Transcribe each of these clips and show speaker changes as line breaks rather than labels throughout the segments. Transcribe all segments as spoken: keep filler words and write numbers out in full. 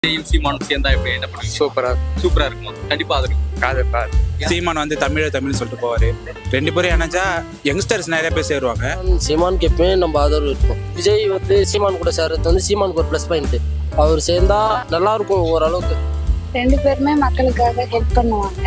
சீமானும் சேர்ந்தா எப்படி என்ன பண்ணுவீங்க?
சூப்பரா
சூப்பரா இருக்குமா? கண்டிப்பா அது இருக்கும்.
காது காது
சீமான் வந்து தமிழ் தமிழ்னு சொல்லிட்டு போவாரு. ரெண்டு பேரும் இணைஞ்சா யங்ஸ்டர்ஸ் நிறைய பேர் சேருவாங்க.
சீமானுக்கு எப்பவுமே நம்ம ஆதரவு இருக்கும். விஜய் வந்து சீமான் கூட சேர்றது வந்து சீமானுக்கு ஒரு ப்ளஸ் பாயிண்ட். அவர் சேர்ந்தா நல்லா இருக்கும் ஓரளவுக்கு.
ரெண்டு பேருமே மக்களுக்காக ஹெல்ப் பண்ணுவாங்க,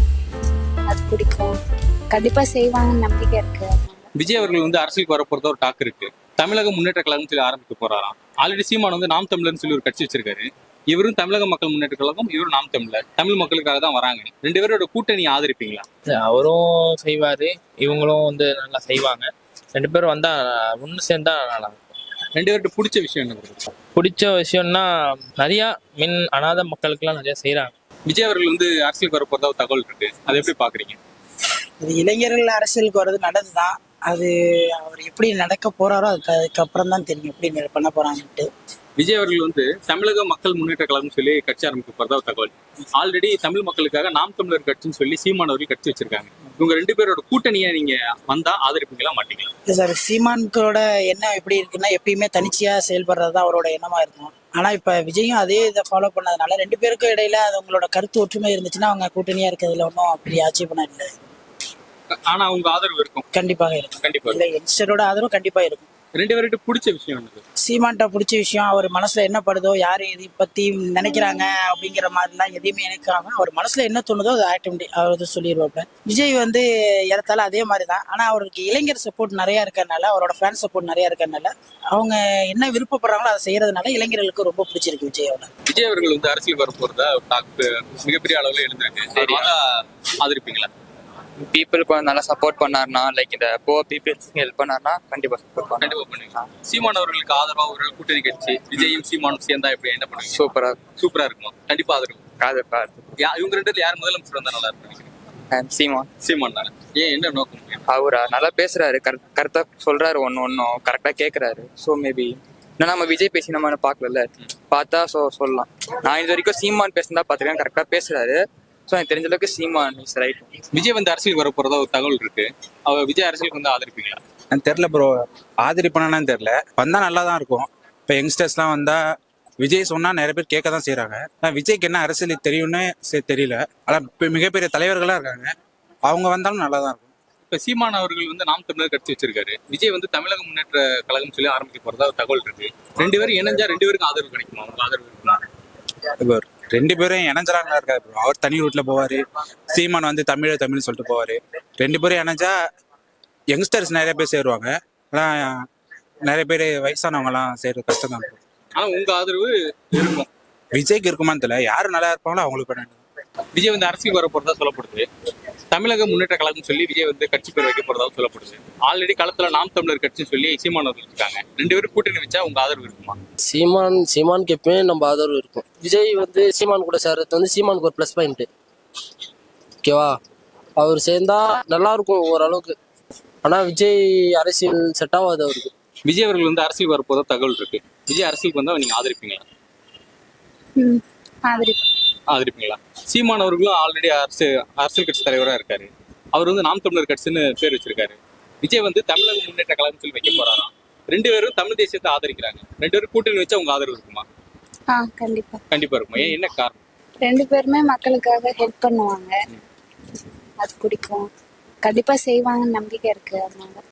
அது பிடிக்கும். கண்டிப்பா செய்வாங்கன்னு நம்பிக்கை இருக்கு.
விஜய் அவர்கள் வந்து அரசியலுக்கு வர போறதா ஒரு டாக் இருக்கு. தமிழக முன்னேற்ற கழகம் சொல்லி ஆரம்பிக்க போறாராம். ஆல்ரெடி சீமான் வந்து நாம் தமிழர்னு சொல்லி ஒரு கட்சி வச்சிருக்காரு. இவரும் தமிழக மக்கள் முன்னேற்ற கழகம், இவரும் நாம் தமிழர். தமிழ் மக்களுக்காக தான் வராங்க. ரெண்டு பேரோட கூட்டணி ஆதரிப்பீங்களா?
அவரும் செய்வாரு, இவங்களும் வந்து நல்லா செய்வாங்க. ரெண்டு பேரும் வந்தா ஒன்று சேர்ந்தா நல்லா இருக்கும்.
ரெண்டு பேர்கிட்ட பிடிச்ச விஷயம் என்ன?
பிடிச்ச விஷயம்னா நிறையா மின் அனாதை மக்களுக்கெல்லாம் நிறைய செய்யறாங்க.
விஜய் அவர்கள் வந்து அரசியலுக்கு வர போறதா ஒரு தகவல் இருக்கு. அதை எப்படி பாக்குறீங்க?
இது இளைஞர்கள் அரசியலுக்கு வர்றது நல்லதுதான். அது அவர் எப்படி நடக்க போறாரோ அதுக்கு அதுக்கப்புறம் தான் தெரியும் எப்படி பண்ண போறாங்கன்ட்டு.
விஜய் அவர்கள் வந்து தமிழக மக்கள் முன்னேற்ற கழகம் சொல்லி கட்சி ஆரம்பிக்க போறதா ஒரு தகவல். ஆல்ரெடி தமிழ் மக்களுக்காக நாம் தமிழர் கட்சின்னு சொல்லி சீமான் அவர்கள் கட்சி வச்சிருக்காங்க. இவங்க ரெண்டு பேரோட கூட்டணியை நீங்க வந்தா ஆதரிப்பீங்களா மாட்டீங்களா?
இல்லை சார், சீமான்களோட எண்ணம் எப்படி இருக்குன்னா எப்பயுமே தனிச்சையா செயல்படுறது தான் அவரோட எண்ணமா இருக்கும். ஆனா இப்ப விஜயும் அதே இதை ஃபாலோ பண்ணதுனால ரெண்டு பேருக்கும் இடையில அது உங்களோட கருத்து ஒற்றுமை இருந்துச்சுன்னா அவங்க கூட்டணியா இருக்கிறதுல ஒன்றும் அப்படி ஆட்சேபணம் இல்லை.
ஆனா அவங்க ஆதரவு இருக்கும்.
கண்டிப்பாக இருக்கும்.
கண்டிப்பா
இல்லை, யங்ஸ்டரோட ஆதரவு கண்டிப்பா இருக்கும்.
ரெண்டு பேர்கிட்ட பிடிச்ச விஷயம் என்னது?
சீமான்ட்ட பிடிச்ச விஷயம் அவர் மனசுல என்ன படுதோ, யாரு இதை பத்தி நினைக்கிறாங்க அப்படிங்கிற மாதிரிலாம் எதையுமே நினைக்காம அவர் மனசுல என்ன தோணுதோ அது ஆட்டோமேட்டிக் அவர் வந்து சொல்லிடுவாப்ல. விஜய் வந்து ஏறத்தால அதே மாதிரி தான். ஆனா அவருக்கு இளைஞர் சப்போர்ட் நிறைய இருக்கிறதுனால, அவரோட ஃபேன் சப்போர்ட் நிறைய இருக்கிறதுனால, அவங்க என்ன விருப்பப்படுறாங்களோ அதை செய்யறதுனால இளைஞர்களுக்கு ரொம்ப பிடிச்சிருக்கு விஜயோட.
விஜய் அவர்கள் வந்து அரசியல் வர போறதா மிகப்பெரிய அளவுல எழுந்திருக்கு. ஆதரிப்பீங்களா?
பீப்புளுக்கு நல்லா சப்போர்ட் பண்ணாருன்னா, லைக் இந்த புவர் பீப்புள்ஸ்க்கு ஹெல்ப் பண்ணாருன்னா கண்டிப்பா சப்போர்ட் பண்ண
கண்டிப்பா பண்ணுவீங்க. சீமான் அவர்களுக்கு ஆதரவா ஒரு கூட்டணி கட்சி விஜயும் சீமானும் சேர்ந்தா எப்படி என்ன பண்ணுவீங்க?
சூப்பரா
சூப்பரா இருக்குமா? கண்டிப்பா ஆதரவு.
காது காது
இவங்க ரெண்டு பேர்ல யார் முதலமைச்சர் வந்தா நல்லா இருக்கும்?
சீமான்
சீமான் தானே. ஏன், என்ன நோக்கம்?
அவரா நல்லா பேசுறாரு, கரெக்டா சொல்றாரு, ஒன்னு ஒன்னும் கரெக்டா கேக்குறாரு. ஸோ மேபி ஏன்னா நம்ம விஜய் பேசி நம்ம பார்க்கல, பார்த்தா ஸோ சொல்லலாம். நான் இது வரைக்கும் சீமான் பேசினா பார்த்துருக்கேன், கரெக்டா பேசுறாரு. ஸோ எனக்கு தெரிஞ்ச அளவுக்கு சீமான் இஸ் ரைட்.
விஜய் வந்து அரசியலுக்கு வர போறதா ஒரு தகவல் இருக்கு. அவர் விஜய் அரசியலுக்கு வந்து ஆதரிப்பீங்களா?
எனக்கு தெரியல ப்ரோ, ஆதரிப்பானு தெரியல. வந்தா நல்லா தான் இருக்கும். இப்போ யங்ஸ்டர்ஸ்லாம் வந்தா விஜய் சொன்னா நிறைய பேர் கேட்க தான் செய்யறாங்க. விஜய்க்கு என்ன அரசியல் தெரியும்னு தெரியல. ஆனா இப்போ மிகப்பெரிய தலைவர்களா இருக்காங்க, அவங்க வந்தாலும் நல்லா தான் இருக்கும்.
இப்ப சீமான் அவர்கள் வந்து நாம் தமிழர் கட்சி வச்சிருக்காரு. விஜய் வந்து தமிழக முன்னேற்ற கழகம் சொல்லி ஆரம்பிக்க போறதா ஒரு தகவல் இருக்கு. ரெண்டு பேரும் இணைஞ்சா ரெண்டு பேருக்கும் ஆதரவு கிடைக்குமா? அவங்க ஆதரவு இருக்குமா?
இப்போ ரெண்டு பேரும் இணைஞ்சலாம் இருக்காரு ப்ரோ. அவர் தனி ரூட்ல போவாரு, சீமான் வந்து தமிழ் தமிழ்னு சொல்லிட்டு போவாரு. ரெண்டு பேரும் இணைஞ்சா யங்ஸ்டர்ஸ் நிறைய பேர் சேருவாங்க. ஆனா நிறைய பேர் வயசானவங்க எல்லாம் சேர்றது கஷ்டம் தான்.
ஆனா உங்க ஆதரவு இருக்கும்.
விஜய்க்கு இருக்குமான்னு தெரியல. யாரு நல்லா இருப்பாங்களோ அவங்களுக்கு பண்ண.
விஜய் வந்து அரசியல் வர போறதா சொல்லப்படுது. தமிழக முன்னேற்ற கழகம் சொல்லி விஜய் வந்து கட்சி பேர் வைக்க போறதா சொல்லப்படுது. ஆல்ரெடி களத்துல நாம் தமிழர் கட்சின்னு சொல்லி சீமான் அவர்கள் இருக்காங்க. ரெண்டு பேரும் கூட்டணி வச்சா உங்க ஆதரவு இருக்குமா?
சீமான் சீமானுக்கு எப்பவுமே நம்ம ஆதரவு இருக்கும். விஜய் வந்து சீமான் கூட சேர்றது வந்து சீமானுக்கு ஒரு ப்ளஸ் பாயிண்ட். ஓகேவா? அவர் சேர்ந்தா நல்லா இருக்கும் ஓரளவுக்கு. ஆனா விஜய் அரசியல் செட் ஆகாது அவருக்கு.
விஜய் அவர்கள் வந்து அரசியல் வர போறதா தகவல் இருக்கு. விஜய் அரசியலுக்கு வந்தா நீங்க ஆதரிப்பீங்களா?
ம், ஆதரிப்பு.
ஆதரிப்பீங்களா? சீமான் அவர்களும் ஆல்ரெடி அரசு அரசியல் கட்சி தலைவரா இருக்காரு. அவர் வந்து நாம் தமிழர் கட்சின்னு பேர் வச்சிருக்காரு. விஜய் வந்து தமிழக முன்னேற்ற கழகம் சொல்லி வைக்க போறாராம். ரெண்டு பேரும் தமிழ் தேசியத்தை ஆதரிக்கிறாங்க. ரெண்டு பேரும் கூட்டணி வச்சா உங்க ஆதரவு இருக்குமா?
ஆ, கண்டிப்பா.
கண்டிப்பா இருக்குமா? ஏன், என்ன காரணம்?
ரெண்டு பேருமே மக்களுக்காக ஹெல்ப் பண்ணுவாங்க, அது பிடிக்கும். கண்டிப்பா செய்வாங்கன்னு நம்பிக்கை இருக்கு. அதனால